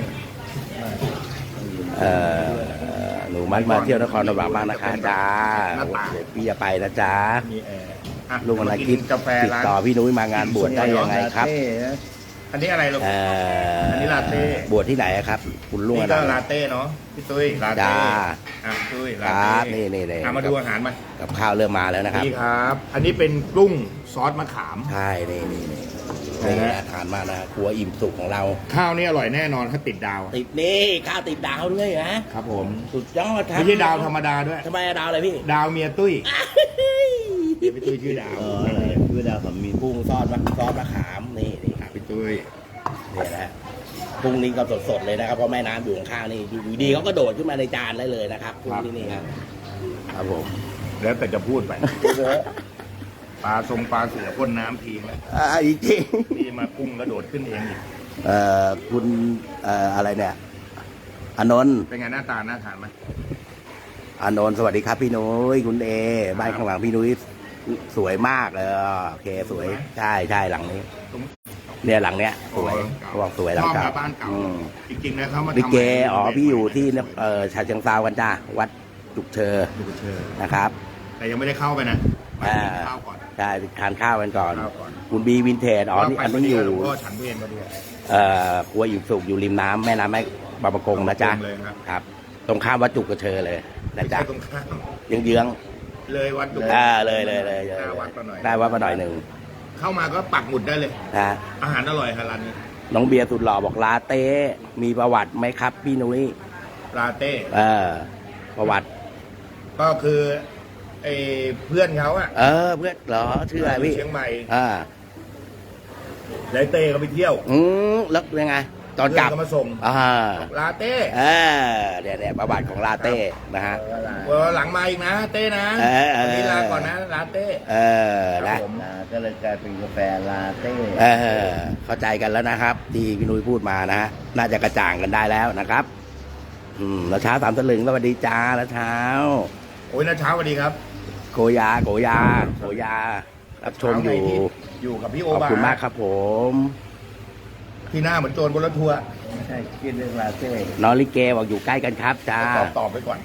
[SPEAKER 2] หนูมัดมาเที่ยวนครสวรรค์บ้างนะคะจ้าเดี๋ยวพี่จะไปนะจ๊ะ
[SPEAKER 1] มีแอร์อ่ะ
[SPEAKER 2] ลุงอนาคิด
[SPEAKER 1] กาแฟ
[SPEAKER 2] ติด
[SPEAKER 1] ร้าน
[SPEAKER 2] ต่อพี่นุ้ยมางานบวชได้ยังไงครับ
[SPEAKER 3] เต้นะ
[SPEAKER 1] อันนี้อะไรลูก อันนี้ลาเต้
[SPEAKER 2] บวชที่ไหนอะครับ คุณลุง
[SPEAKER 1] นี่
[SPEAKER 2] อ
[SPEAKER 1] ก็
[SPEAKER 2] นา
[SPEAKER 1] ลาเต้เนาะพี่ตุ้ยลาเต้
[SPEAKER 2] จ้า
[SPEAKER 1] อ่ะตุ้ย
[SPEAKER 2] ค
[SPEAKER 1] ลา
[SPEAKER 2] รั
[SPEAKER 1] เต้
[SPEAKER 2] บนี่
[SPEAKER 1] มาดูอาหารมา
[SPEAKER 2] กับข้าวเริ่มมาแล้วนะครับ
[SPEAKER 1] นี่ครับ อันนี้เป็นกุ้งซอสมะขาม
[SPEAKER 2] ใช่นี่อาหารมานะครัวอิ่มสุกของเรา
[SPEAKER 1] ข้าวนี่อร่อยแน่นอนถ้าติดดาว
[SPEAKER 2] ติดนี่ข้าวติดดาวด้วยนะครับ
[SPEAKER 1] ผม
[SPEAKER 2] สุดยอดครับ
[SPEAKER 1] ไม่ใช่ดาวธรรมดาด้วย
[SPEAKER 2] ทำไมดาวอะไรพี่
[SPEAKER 1] ดาวเมียตุ้ยพี่ตุ้ยชื่อดาว
[SPEAKER 3] อะไรคือดาวขมิ้น
[SPEAKER 2] กุ้งซอสมะขามนี่ครับ
[SPEAKER 1] พี่ตุ้ย
[SPEAKER 2] นี่นะฮะกุ้งนี้ก็สดๆเลยนะครับเพราะแม่น้ำอยู่ข้างๆนี่อยู่ดีเขาก็โดดขึ้นมาในจานได้เลยนะครับกุ้งที่นี่ครับครับผม
[SPEAKER 1] แล้วแต่จะพูดไปปลาเสือพ่นน้ำทิ้งแล้ว
[SPEAKER 2] จริง
[SPEAKER 1] นี่มากุ้งกระโดดขึ้นเองอีก
[SPEAKER 2] คุณอะไรเนี่ยอานนท์
[SPEAKER 1] เป็นไงหน้าตาน่าทานไหม
[SPEAKER 2] อานนท์สวัสดีครับพี่นุ้ยคุณเอบ้านข้างหลังพี่นุ้ยสวยมากเลยโอเคสวยใช่หลังนี้
[SPEAKER 1] ตรง
[SPEAKER 2] เนี่ยหลังเนี้ยสวยเขาบอกสวยหลัง
[SPEAKER 1] ชอบ
[SPEAKER 2] เก่า
[SPEAKER 1] มาบ้านเก่า
[SPEAKER 2] อืม
[SPEAKER 1] จริงๆนะเขามา
[SPEAKER 2] ลิ
[SPEAKER 1] ทำ
[SPEAKER 2] เกพี่อยู่ที่ฉะเชิงเทรากันจ้าวัดจุกเชอ
[SPEAKER 1] ดูเชิญ
[SPEAKER 2] นะครับ
[SPEAKER 1] แต่ยังไม่ได้เข้าไปนะไปกินข้าวก่อน
[SPEAKER 2] ใช่ทานข้าวกันก่อน
[SPEAKER 1] ข้าวก่อน
[SPEAKER 2] คุณบีวินเทจนี่อันนี้อยู่
[SPEAKER 1] หลวงพ่อฉันเพลมาด้วย
[SPEAKER 2] ครัวอิ่มสุกอยู่ริมน้ำแม่น้ำแม่บางประกงนะจ๊ะ
[SPEAKER 1] เลยครับ
[SPEAKER 2] ครับ ตรงข้ามวัดจุกเชอเลยนะจ๊ะ
[SPEAKER 1] ใช่ตรงข้าม
[SPEAKER 2] เยื้อง
[SPEAKER 1] เลยวัดดุ
[SPEAKER 2] ๆเลย
[SPEAKER 1] หน้าวัดมาหน่อย
[SPEAKER 2] ได้วัดมาหน่อยหนึ่ง
[SPEAKER 1] เข้ามาก็ปักหมุดได้เลย
[SPEAKER 2] นะ
[SPEAKER 1] อาหารอร่อยฮะร้านนี้
[SPEAKER 2] น้องเบียร์สุดหล่อบอกลาเต้มีประวัติไหมครับพี่นุ้ย
[SPEAKER 1] ลาเต้
[SPEAKER 2] ประวัติ
[SPEAKER 1] ก็คือไอ้เพื่อนเขาอะ
[SPEAKER 2] เพื่อนเหรอชื่ออะไรพี่
[SPEAKER 1] เชียงใหม่
[SPEAKER 2] อ่า
[SPEAKER 1] ไดเต้เขาไปเที่ยว
[SPEAKER 2] แล้วยังไง ตอนกลับ
[SPEAKER 1] เพื่ก็มาส่ง ลาเต้
[SPEAKER 2] เนี่ยประวัติของลาเต้นะฮะ
[SPEAKER 1] วันหลังมาอีกนะ เต้นะ วันนี้ลาก่อนนะลาเต้
[SPEAKER 2] นะ
[SPEAKER 1] ผม
[SPEAKER 3] ก็เลยกลายเป็นกาแฟลาเต้
[SPEAKER 2] เข้าใจกันแล้วนะครับ ที่พี่นุ้ยพูดมานะฮะน่าจะกระจ่างกันได้แล้วนะครับแล้วเช้า3 ตลึงสวัสดีจ้าแล้วเช้า
[SPEAKER 1] โอ้ยนะเช้าสวัสดีครับ
[SPEAKER 2] โกยารับชมอยู่
[SPEAKER 1] อยู่กับพี่โอ
[SPEAKER 2] ขอบ
[SPEAKER 1] บา
[SPEAKER 2] คุณมากครับผม
[SPEAKER 1] ที่หน้าเหมือนโจรบนรถทัวร์
[SPEAKER 3] ไม่ใช่คิดเรื่องลาเต้
[SPEAKER 2] น้องลิเกบอกอยู่ใกล้กันครับจ้า
[SPEAKER 1] ตอบไปก่อน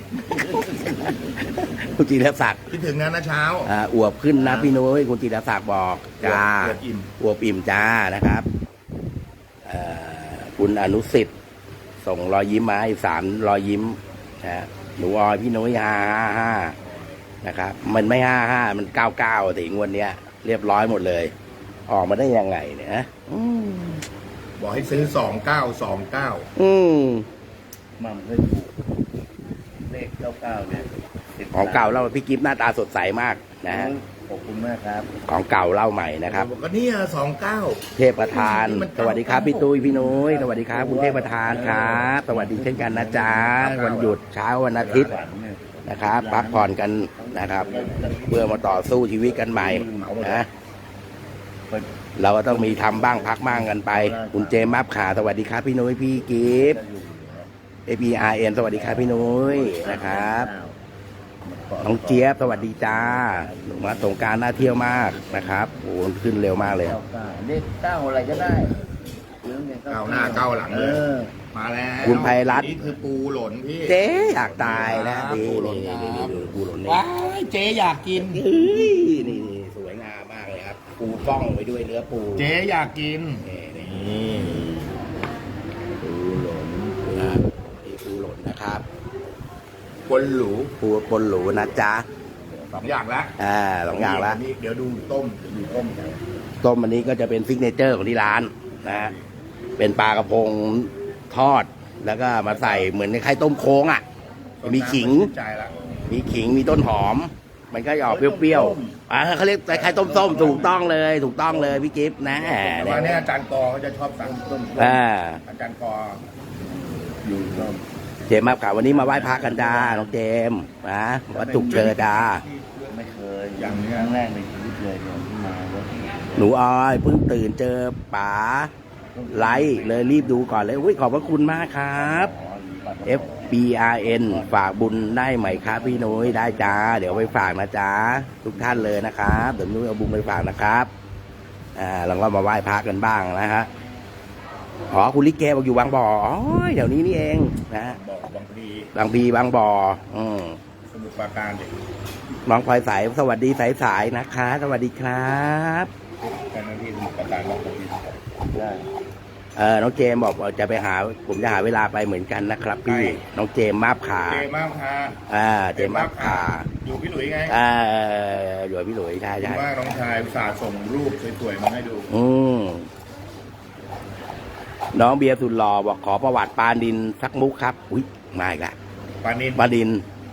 [SPEAKER 2] คุณจิรศักดิ์
[SPEAKER 1] คิดถึงนะเช้า
[SPEAKER 2] อวบขึ้นนะพี่นุ้ยคุณจิรศักดิ์บอกจ้า
[SPEAKER 1] อวบอิ่ม
[SPEAKER 2] อวบอิ่มจ้านะครับคุณอนุสิทธิ์ส่งรอยยิ้มมาอีก3 รอยยิ้มนะหนูออยพี่นุ้ย555นะครับ มันไม่55มัน99ถึงวันเนี้ย เรียบร้อยหมดเลย ออกมาได้ยังไงเนี่ยนะ
[SPEAKER 1] บอกให้ซื้อ2929
[SPEAKER 3] มั่มเคยถูกเลข99เนี่ย10
[SPEAKER 2] ของเก่าเล่าพี่กิฟต์หน้าตาสดใสมากนะฮะ
[SPEAKER 3] ขอบคุณมากครับ
[SPEAKER 2] ของเก่าเล่าใหม่นะครับ
[SPEAKER 1] บอกก็เนี่ย29
[SPEAKER 2] เทพประธาน สวัสดีครับพี่ตุ้ยพี่นุ้ยสวัสดีครับคุณเทพประธานครับสวัสดีเช่นกันนะจ๊ะวันหยุดเช้าวันอาทิตย์นะครับพักผ่อนกันนะครับ เพื่อมาต่อสู้ชีวิตกันใหม่นะเราก็ต้องมีทำบ้างพักบ้างกันไป คุณเจมส์มับขาสวัสดีครับพี่นุ้ยพี่กิฟต์ APRN สวัสดีครับพี่นุ้ยนะครับน้องเจี๊ยบสวัสดีจ้าหนูมาสงกรารน่าเที่ยวมากนะครับโอ้ขึ้นเร็วมากเลย
[SPEAKER 3] เลข9อะไรก็ได้
[SPEAKER 1] ก้าวหน้าก้าวหลังเลย
[SPEAKER 3] ออ
[SPEAKER 1] มาแล้ว
[SPEAKER 2] คุณไพรัตน์
[SPEAKER 1] นี่คือปูหล่นพี่
[SPEAKER 2] เจ๊อยากตายนะ
[SPEAKER 1] ปู
[SPEAKER 2] นี่
[SPEAKER 1] หล่น
[SPEAKER 2] นี่
[SPEAKER 1] ครับ
[SPEAKER 2] นี่ดูปูหล่นนี่
[SPEAKER 1] ว้ายเจ๊อยากกิน
[SPEAKER 2] เฮ้ยนี่สวยงามมากเลยครับ ปูฟ่องไปด้วยเนื้อปู
[SPEAKER 1] เจ๊อยากกิน
[SPEAKER 2] นี่
[SPEAKER 3] ปูหลง
[SPEAKER 2] นะนี่ปูหล่นนะครับ
[SPEAKER 1] คนหรู
[SPEAKER 2] ปูปนหรูนะจ๊ะ
[SPEAKER 1] 2 อย่างละ
[SPEAKER 2] สองอย่างละ
[SPEAKER 1] นี่เดี๋ยวดูต้มดูต้มกัน
[SPEAKER 2] ต้มอันนี้ก็จะเป็นซิกเนเจอร์ของที่ร้านนะฮะเป็นปลากระพงทอด แล้วก็มาใส่เหมือนในไข่ต้มโค้งอ่ะ มีขิง
[SPEAKER 1] ใจละ
[SPEAKER 2] มีขิงมีต้นหอม มันก็จะออกเปรี้ยวๆเขาเรียกไข่ต้มส้มถูกต้องเลยถูกต้องเลยพี่กิฟต์นะ
[SPEAKER 1] แต่ว่าเนี่ยอาจารย์กอเขาจะชอบสั่งต้ม
[SPEAKER 2] อ่า
[SPEAKER 1] อาจารย์กอ
[SPEAKER 3] อยู่ต้ม
[SPEAKER 2] เจมส์มาครับวันนี้มาไหว้พระกันจ้าน้องเจมส์นะวัดจุกเชอจ้า
[SPEAKER 3] ไม่เคยอย่างครั้งแรกในชีวิตเลยเนี่ยที่มาวัด
[SPEAKER 2] หนูออยเพิ่งตื่นเจอป๋าไลฟ์เลยรีบดูก่อนเลยอุ้ยขอบพระคุณมากครับ FBRN ฝากบุญได้ไหมครับพี่นุ้ยได้จ้าเดี๋ยวไปฝากนะจ้าทุกท่านเลยนะครับเดี๋ยวนุ้ยเอาบุญไปฝากนะครับเราก็มาไหว้พระกันบ้างนะฮะอ๋อคุณลิเกบอกอยู่บางบ่ออ๋อเดี๋ยวนี้นี่เองนะ
[SPEAKER 1] บอกบางพลี
[SPEAKER 2] บางพีบางบ่อ
[SPEAKER 1] สมุทรปราการเด็ก
[SPEAKER 2] น้องพลอยสายสวัสดีสายๆนะคะ สวัสดีครับ
[SPEAKER 1] เจ้าหน้าที่สมุทรปราการบอกบางพลีได้
[SPEAKER 2] น้องเจมบอกว่าจะไปหาผมจะหาเวลาไปเหมือนกันนะครับพี่น้องเจมมาบขา
[SPEAKER 1] เจมากค่ะ
[SPEAKER 2] เจมมาบขา
[SPEAKER 1] อยู่พี่หลุยไง
[SPEAKER 2] อยู่กับพี่หลุยใช่ใช่
[SPEAKER 1] ว่าน้องชายอุตส่าห์ส่งรูปสวยๆมาให้ดู
[SPEAKER 2] น้องเบียร์สุดหล่อบอกขอประวัติปานินสักมุกครับอุ้ยมาอีกแล้ว
[SPEAKER 1] ปานิน
[SPEAKER 2] ปานิน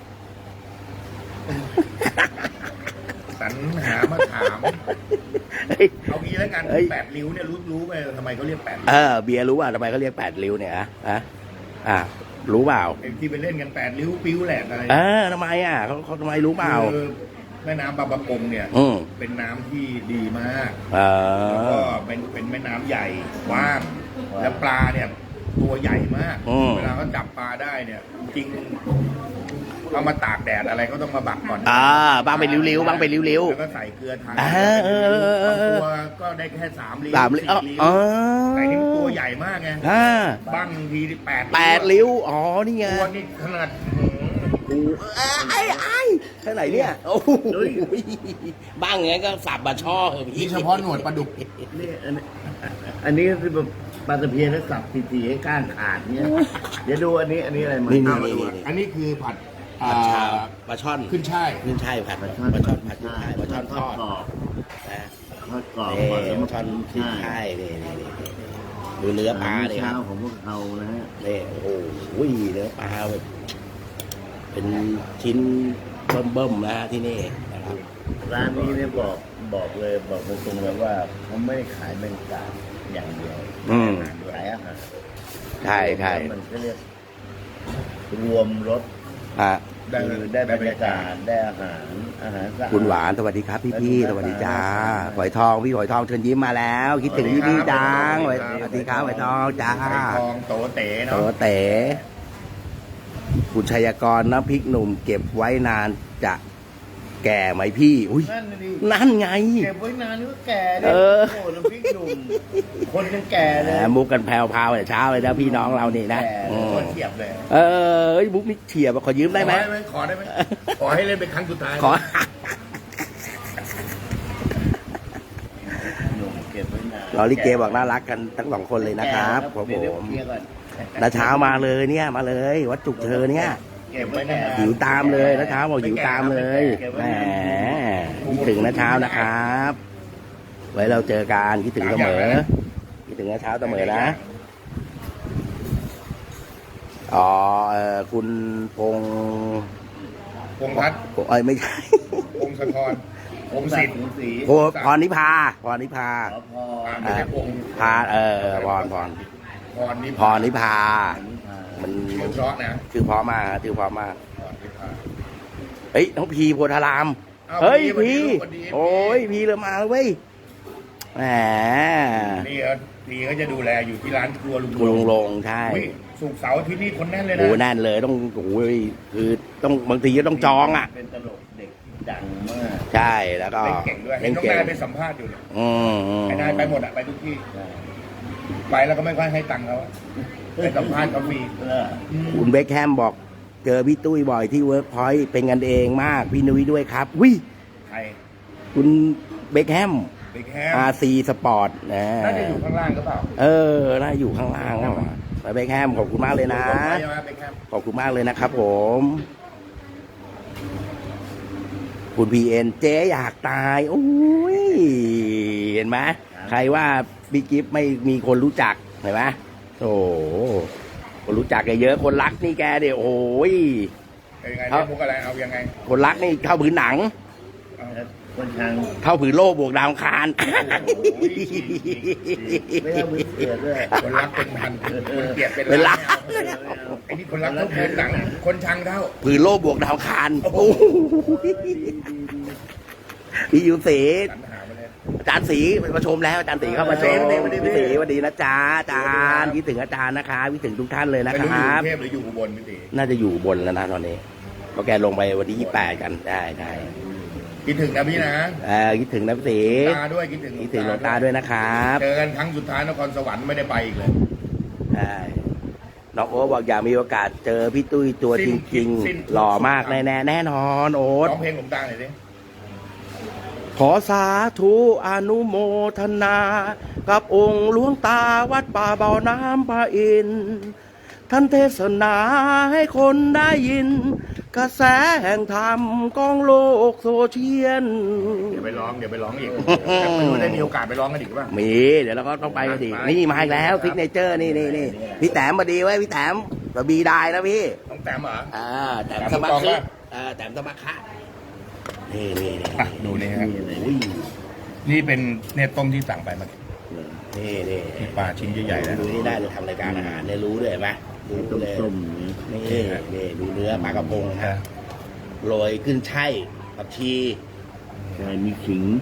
[SPEAKER 1] สรรหามาถาม เอางี้แล้วกันแปดริ้วเนี่ยรู้ไหมทำไมเขาเรียกแปดริ้ว
[SPEAKER 2] เบียร์รู้ว่าทำไมเขาเรียก8 ริ้วเนี่ยรู้เปล่า
[SPEAKER 1] ไอ้ที่ไปเล่นกันแปดริ้วปิ้วแหลกอะไร
[SPEAKER 2] ทำไมเขาทำไมรู้เปล่า
[SPEAKER 1] คือแม่น้ำบางประกงเนี่ยเป็นน้ำที่ดีมากแล้วก็เป็นแม่น้ำใหญ่กว้างแล้วปลาเนี่ยตัวใหญ่มากเวลาเขาจับปลาได้เนี่ยจริงเอามาตากแดดอะไรก็ต้องมาบักก่อน
[SPEAKER 2] บางเป็นริ้วๆบางเป็นริ้ว
[SPEAKER 1] แล้วก็ใส่เกลือทานตัวก็ได้แค่3 ริ้ว
[SPEAKER 2] 3 ริ้ว
[SPEAKER 1] แต่นี่ตัวใหญ่มากไงบ้างที8
[SPEAKER 2] ริ้วอ๋อนี่ไง
[SPEAKER 1] ตัวนี่ขนาด
[SPEAKER 2] เท่าไหร่เนี่ยโอ้โหบ้างไงก็สับมาช่อ
[SPEAKER 1] นี่เฉพาะหนวดปลาดุก
[SPEAKER 3] นี่อันนี้ก็คือแบบปลาตะเพียนแล้วสับทีๆให้ก้านขาดเนี่ยเดี๋ยวดูอันนี้อะไรมา
[SPEAKER 1] อันนี้คือผัด
[SPEAKER 2] ปลาช่อน
[SPEAKER 1] ขึ้นช่าย
[SPEAKER 2] ผัดปลาช่อนผัดขึ้นช่ายปลาช่อนทอด
[SPEAKER 3] ทอดกรอบ
[SPEAKER 2] ปลาช่อนขึ้นช่ายนี่ดูเนื้อปลาเลยครับ
[SPEAKER 3] ของพวกเขานะฮะ
[SPEAKER 2] นี่โอ้โหเนื้อปลาแบบเป็นชิ้นเบิ่มๆนะที่นี่นะครับ
[SPEAKER 3] ร้านนี้เนี่ยบอกเลยบอกตรงๆเลยว่าเขาไม่ได้ขายแมงกาอย่างเดียวขายอาหาร
[SPEAKER 2] ใช่
[SPEAKER 3] มันก็เรียกรวมรสได้บรรยากาศได้อาหารสะอาด
[SPEAKER 2] คุณหวานสวัสดีครับพี่สวัสดีจ้าหอยทองพี่หอยทองเชิญยิ้มมาแล้วคิดถึงพี่จังสวัสดีครับหอยทองจ้า
[SPEAKER 1] หอยทองโตเต๋เนาะ
[SPEAKER 2] โตเต๋คุณชัยกรน้ำพริกหนุ่มเก็บไว้นานจะแก่ไหมพี่อุ้ยนั่นไง
[SPEAKER 3] เก็บไว้นานก็แก่เลยโอ้น้ำพริกหนุ่มคนยังแก่เลย
[SPEAKER 2] มุกกันแผ่วๆแต่เช้าเลยนะพี่น้องเรานี่นะ
[SPEAKER 1] เฉียบเลย
[SPEAKER 2] มุกนี่เฉียบขอยืมได้ไหม
[SPEAKER 1] ขอได้ไหมขอให้เล่นเป็นครั้งสุดท้าย
[SPEAKER 2] ขอเราลิเกบอกน่ารักกันทั้ง2 คนเลยนะครับผมน้าเช้ามาเลยเนี่ยมาเลยวัดจุกเชอเนี่ยหิวตามเลยน้าเช้าบอกหิวตามเลยแหมคิดถึงน้าเช้านะครับไว้เราเจอกันคิดถึงเสมอคิดถึงน้าเช้าเสมอนะคุณพง
[SPEAKER 1] พัฒน์
[SPEAKER 2] ไม่ใช่
[SPEAKER 1] พงศธรพงศิษฐ์
[SPEAKER 2] พรนิพาพรพานิพามัน
[SPEAKER 1] เพราะนะ
[SPEAKER 2] ชื่อเพราะมากเฮ้ยน้องพีโพธารามเฮ้ยพีโอ้ยพีเลยมาเว้ยแหม
[SPEAKER 1] พีก็จะดูแลอยู่ที่ร้านครัว
[SPEAKER 2] ลุงลงใช่
[SPEAKER 1] ศุกร์เสาร์ที่นี่คนแน่นเลยนะ
[SPEAKER 2] โอ้แน่นเลยต้องโอ้ยคือต้องบางทีก็ต้องจอง
[SPEAKER 3] เป็นตลกเด็กดังมาก
[SPEAKER 2] ใช่แล้วก็
[SPEAKER 1] เก่งด้วยน้องนายไปสัมภาษณ์อยู่เนี่ยไอ้นายไปหมดไปทุกที่ไปแล้วก็ไม่ค่อยให้ตังค์เขาไปสัมภาษณ์เขาฟรี
[SPEAKER 2] คุณเบคแฮมบอกเจอพี่ตุ้ยบ่อยที่เวิร์กพอยต์เป็นกันเองมากพี่นุ้ยด้วยครับวิ
[SPEAKER 1] ใคร
[SPEAKER 2] คุณเบคแฮมRC Sport
[SPEAKER 1] น่าจะอยู่ข้างล่างก็เปล่า
[SPEAKER 2] น่าอยู่ข้างล่างเบคแฮมขอบคุณมากเลยนะขอบคุณมากเลยนะครับผมคุณPNเจ๊อยากตายโอ้ยเห็นไหมใครว่าบิ๊กกิฟไม่มีคนรู้จักเห็นไหมโอ้คนรู้จักแกเยอะคนรักนี่แกเดี๋ยวโอ้ย
[SPEAKER 1] ยังไงมุกอะไรเอายังไง
[SPEAKER 2] คนรักนี่เข้าพื้นหนัง
[SPEAKER 3] คนช้าง
[SPEAKER 2] เท่าผืนโลกบวกดาวอังคาร
[SPEAKER 3] ไม่เอามือเสือด้วย
[SPEAKER 1] คนรักเป็นพันคนเกลียดเป็น
[SPEAKER 2] เป็นล้า
[SPEAKER 1] ล้าน นไอ้นี่คนรักเท่าผืนหนังคนชังเท่า
[SPEAKER 2] ผืนโลกบวกดาวอังคารโอ้โหพี่ยูสี
[SPEAKER 1] สรรหามาเลย
[SPEAKER 2] อาจารย์ศรีมาชมแล้วอาจารย์ศรีเข้ามาชมพี่ศรีสวัสดีนะจ๊ะอาจารย์คิดถึงอาจารย์นะคะคิดถึงทุกท่านเลยนะ
[SPEAKER 1] ไม่
[SPEAKER 2] ค
[SPEAKER 1] รู้อยู่
[SPEAKER 2] รั
[SPEAKER 1] ก
[SPEAKER 2] บ
[SPEAKER 1] รุงเทพหรืออยู่อุบลพี่ตี
[SPEAKER 2] น่าจะอยู่บนแล้วนะตอนนี้เพราะแกลงไปวันที่28กันได้
[SPEAKER 1] คิดถึงนะพี่นะ
[SPEAKER 2] คิดถึงนะพี่ศรี
[SPEAKER 1] ตาด้วยคิดถึง
[SPEAKER 2] คิดถึงหลวงตาด้วยนะครับ
[SPEAKER 1] เจอกันครั้งสุดท้ายนครสวรรค์ไม่ได้ไปอีกเลย
[SPEAKER 2] ได้น้องโอ๊ตบอกอยากมีโอกาสเจอพี่ตุ้ยตัวจริงๆหล่อมากแน่นอนโอ๊ต
[SPEAKER 1] ร้องเพลงหลวงตาหน่อยสิ
[SPEAKER 2] ขอสาธุอนุโมทนา กับองค์หลวงตาวัดป่าเบาน้ำพระอินทร์ท่านเทศนาให้คนได้ยิน กระแสแห่งธรรมกองโลกโซเชียล
[SPEAKER 1] เดี๋ยวไปร้องอีกแต่ไม่รู้ได้มีโอกาสไปร้องกันอีกป่ะ
[SPEAKER 2] มีเดี๋ยวเราก็ต้องไปกันดินี่มาอีกแล้วซิกเนเจอร์นี่พี่แต้มมาดีไว้พี่แต้มบะบีได้นะพี่
[SPEAKER 1] ต้องแต้มเหรอ
[SPEAKER 2] แต้มสมัครแต้มสมัครนี่
[SPEAKER 1] อ่ะดูนี่ฮะ
[SPEAKER 2] อุ้ย
[SPEAKER 1] นี่เป็นเนี่ยต้มที่สั่งไปเมื่อกี้
[SPEAKER 2] นี่
[SPEAKER 1] มีปลาชิ้นใหญ่ๆนะ
[SPEAKER 2] ดูนี่ได้เลยทำรายการอาหารเนี่ยรู้เลยไหมรู้เลย
[SPEAKER 3] ต้ม
[SPEAKER 2] นี่ดูเนื้อปลากระพงฮะโรยขึ้นช่ายผักชี
[SPEAKER 3] ใช่มีขิง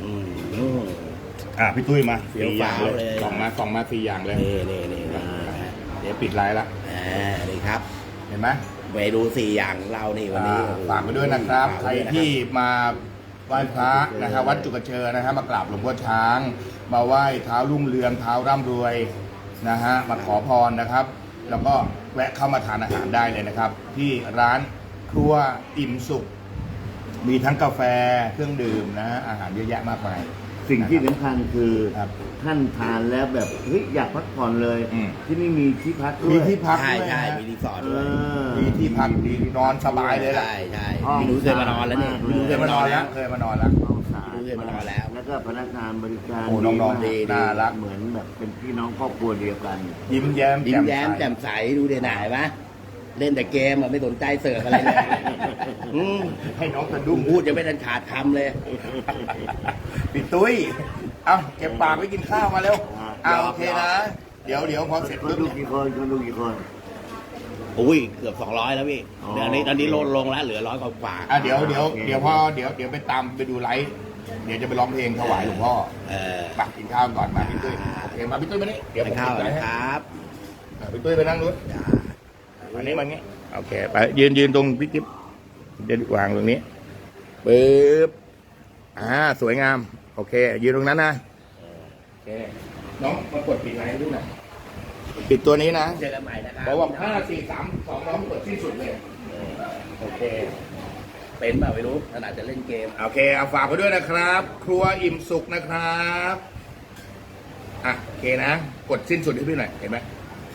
[SPEAKER 1] พี่ตุ้ยมา
[SPEAKER 2] เฟี้ยว
[SPEAKER 1] สี่อย่าง
[SPEAKER 2] ฟ้าวเลย
[SPEAKER 1] ส่องมา4อย่างเลย
[SPEAKER 2] นี่
[SPEAKER 1] เดี๋ยวปิดไลน์ละ
[SPEAKER 2] นี่ครับ
[SPEAKER 1] เห็นไหม
[SPEAKER 2] เมนู4อย่างของเรานี่วันนี้
[SPEAKER 1] ฝากไปด้วยนะครับ
[SPEAKER 2] ฝาก
[SPEAKER 1] ใคร
[SPEAKER 2] ไว้ด้วยนะครับ
[SPEAKER 1] ที่มาไหว้พระนะครับวัดจุกเชอนะครับมากราบหลวงพ่อช้าง มาไหว้เท้ารุ่งเรืองเท้าร่ำรวยนะฮะมาขอพรนะครับ แล้วก็แวะเข้ามาทานอาหารได้เลยนะครับ ที่ร้านครัวอิ่มสุข มีทั้งกาแฟเครื่องดื่มนะฮะอาหารเยอะแยะมากมาย
[SPEAKER 3] สิ่งที่สำคัญคือ
[SPEAKER 1] ครับ
[SPEAKER 3] ท่านทานแล้วแบบเฮ้ยอยากพักผ่อนเลย
[SPEAKER 1] อืม
[SPEAKER 3] ที่นี่มีที่พักด้วย
[SPEAKER 1] มีที่พัก
[SPEAKER 2] ใช่
[SPEAKER 1] ด้วย
[SPEAKER 2] ใช่
[SPEAKER 1] นะ
[SPEAKER 2] มีรีสอร์ท
[SPEAKER 3] เอ
[SPEAKER 2] ด้วย
[SPEAKER 3] อ
[SPEAKER 1] มีที่พักดีนอนสบายเลยล่ะ
[SPEAKER 2] ใช่
[SPEAKER 3] ห้อง
[SPEAKER 2] พี่นุ้ยเคยมานอนแล้วนี่
[SPEAKER 3] สะอาด
[SPEAKER 2] พี่นุ้ย
[SPEAKER 1] เคยมานอนแล้วเคยมานอนแล้ว
[SPEAKER 3] ห้องสะอาด
[SPEAKER 2] เคยมานอนแล้ว
[SPEAKER 3] แล้วก็พนักงานบริการ
[SPEAKER 1] โอ้น้องๆ
[SPEAKER 3] มาก
[SPEAKER 1] ดีน่ารัก
[SPEAKER 3] เหมือนแบบเป็นพี่น้องครอบครัวเดียวกัน
[SPEAKER 1] ยิ้มแย้ม
[SPEAKER 2] ยิ้มแย้ม
[SPEAKER 1] ใส
[SPEAKER 2] แจ่มใสดูเด่นหน่ายปะเล่นแต่เกมอะไม่สนใจเสิร์ฟอะไรเลยอืม
[SPEAKER 1] ให้น้องสะ
[SPEAKER 2] ดุ
[SPEAKER 1] ดุ้
[SPEAKER 2] ม
[SPEAKER 1] ง
[SPEAKER 2] พูดยังไม่ทันขาดคำเลย
[SPEAKER 1] พี่ตุ้ย เอาเก็บปากไว้กินข้าวมาเร็ว
[SPEAKER 3] อ่า
[SPEAKER 1] เอาโอเคนะ เดี๋ยวพอเสร็จ
[SPEAKER 3] คน
[SPEAKER 1] ปุ๊บ
[SPEAKER 3] ดู
[SPEAKER 1] เนี่ย
[SPEAKER 3] กี่คนคนดูกี่คน
[SPEAKER 2] อุ้ยเกือบ200แล้วพี่
[SPEAKER 3] อ๋อ
[SPEAKER 2] เดี๋ยวนี้ตอนนี้ลดลงแล้วเหลือ100กว่า
[SPEAKER 1] เดี๋ยวพอเดี๋ยวไปตามไปดูไลฟ์เดี๋ยวจะไปร้องเพลงถวายหลวงพ่อ ปักกินข้าวก่อนมาพี่ตุ้ยโอเคมาพี่ตุ้ยมานี่เดี๋ยว
[SPEAKER 2] ไป
[SPEAKER 1] ผม
[SPEAKER 2] ข้าว
[SPEAKER 1] ปิดไลฟ์
[SPEAKER 2] นะ
[SPEAKER 1] ให้
[SPEAKER 2] ครับ
[SPEAKER 1] พี่ตุ้ยไปนั่งนู้นอันนี้มันงี้โอเคไปยืนตรงพี่กิ๊บเดี๋ยววางตรงนี้ปึ๊บสวยงามโอเคยืนตรงนั้นนะโอเคน้องมากดปิดไลฟ์ด้วยนะปิดตัวนี้นะ
[SPEAKER 2] เจอกันใหม่นะครับ
[SPEAKER 1] บอกว่า5 4 3 2น้องกดที่สุดเลยโอเค
[SPEAKER 2] เป็นเปล่าไม่รู้ขนาดจะเล่นเกม
[SPEAKER 1] โอเคเอาฝากไปด้วยนะครับ ครัวอิ่มสุขนะครับโอเคนะ กดสิ้นสุดให้พี่หน่อยเห็นไหม